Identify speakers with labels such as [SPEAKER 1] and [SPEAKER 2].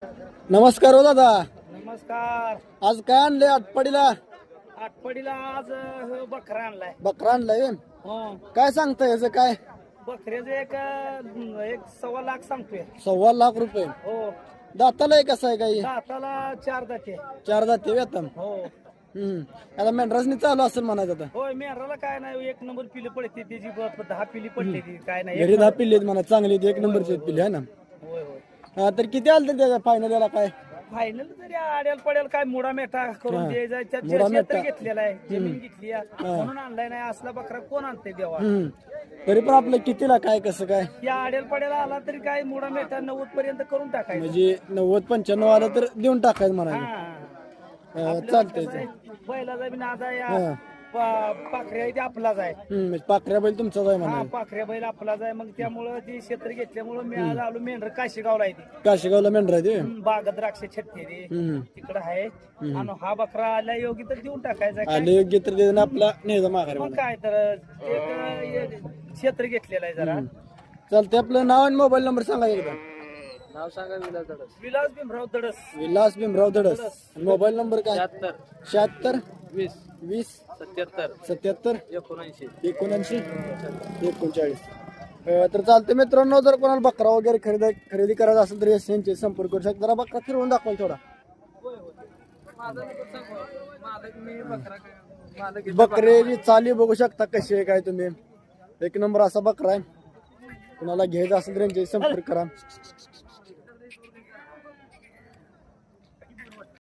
[SPEAKER 1] नमस्कार हो दादा.
[SPEAKER 2] नमस्कार.
[SPEAKER 1] आज काय आणले आटपाडीला?
[SPEAKER 2] आटपडीला आज बकरा आणलाय.
[SPEAKER 1] बकरा आणलाय व्हय?
[SPEAKER 2] हो,
[SPEAKER 1] काय सांगताय याचं काय?
[SPEAKER 2] बकऱ्याचं एक 1.25 लाख सांगतोय.
[SPEAKER 1] ₹1.25
[SPEAKER 2] हो,
[SPEAKER 1] दाताला आहे कसं आहे काही?
[SPEAKER 2] दाताला 4 दाते.
[SPEAKER 1] 4 दाते वेतन.
[SPEAKER 2] हो
[SPEAKER 1] आता मेंढरासनी चालू असेल म्हणायचं आता.
[SPEAKER 2] होय, मेहराला काय नाही, 1 नंबर पिली पडते त्याची 10 पिली पडली ती काय नाही.
[SPEAKER 1] घरी 10 पिल्ले आहेत म्हणा, चांगली आहेत, 1 नंबरची पिल्ले आहे ना.
[SPEAKER 2] होय होय.
[SPEAKER 1] हा, तर किती आलं तर त्याच्या फायनल याला काय?
[SPEAKER 2] फायनल तरी आड्याल पडेल काय मुडा मेटा करून
[SPEAKER 1] हा.
[SPEAKER 2] द्यायचा.
[SPEAKER 1] मुडा मेटा.
[SPEAKER 2] क्षेत्र घेतलेला आहे, जमीन घेतली आहे, म्हणून आणलाय. नाही असला बकरा कोण आणते देवा.
[SPEAKER 1] तरी पण आपलं कितीला काय कसं काय?
[SPEAKER 2] या आड्याल पड्याला आला तरी काय मुडा मेटा 90 पर्यंत करून टाकायचं.
[SPEAKER 1] म्हणजे 90-95 आलं तर देऊन टाकायचं म्हणायचं.
[SPEAKER 2] हा,
[SPEAKER 1] चालतंय.
[SPEAKER 2] बैलाचा बी नाद आहे.
[SPEAKER 1] हा.
[SPEAKER 2] पाखऱ्या ते आपलाच आहे.
[SPEAKER 1] म्हणजे पाकऱ्या बैल तुमचाच आहे
[SPEAKER 2] हा,
[SPEAKER 1] म्हणा.
[SPEAKER 2] पाखऱ्या बैल आपलाच आहे. मग त्यामुळं ती क्षेत्र घेतल्यामुळं मी आज आलो. मेंढर काशीगावला आहे ती.
[SPEAKER 1] काशीगावला मेंढरा आहे ते.
[SPEAKER 2] बाग द्राक्ष छत्ते तिकडं आहे. आणि हा बकरा आला योगी तर देऊन टाकायचा. काय?
[SPEAKER 1] आले योग्य तर देऊन आपला नेहमी माघारी
[SPEAKER 2] मग काय तर एक क्षेत्र घेतलेलं आहे जरा.
[SPEAKER 1] चालतंय. आपलं नाव आणि मोबाईल नंबर सांगा एकदा.
[SPEAKER 2] नाव सांगा. विलास भीमराव दडस.
[SPEAKER 1] विलास भीमराव धडस. मोबाईल नंबर काय? 76
[SPEAKER 2] 20
[SPEAKER 1] 20
[SPEAKER 2] 77
[SPEAKER 1] 77
[SPEAKER 2] 79
[SPEAKER 1] 79 39. तर चालते मित्रांनो, जर कोणाला बकरा वगैरे खरेदी करायचा असेल तर यांचे संपर्क करू शकता. जरा बकरा फिरवून दाखवाल थोडा. बकऱ्याची चाली बघू शकता कशी आहे काय तुम्ही. 1 नंबर असा बकरा आहे. कुणाला घ्यायचा असेल तर यांचे संपर्क करा.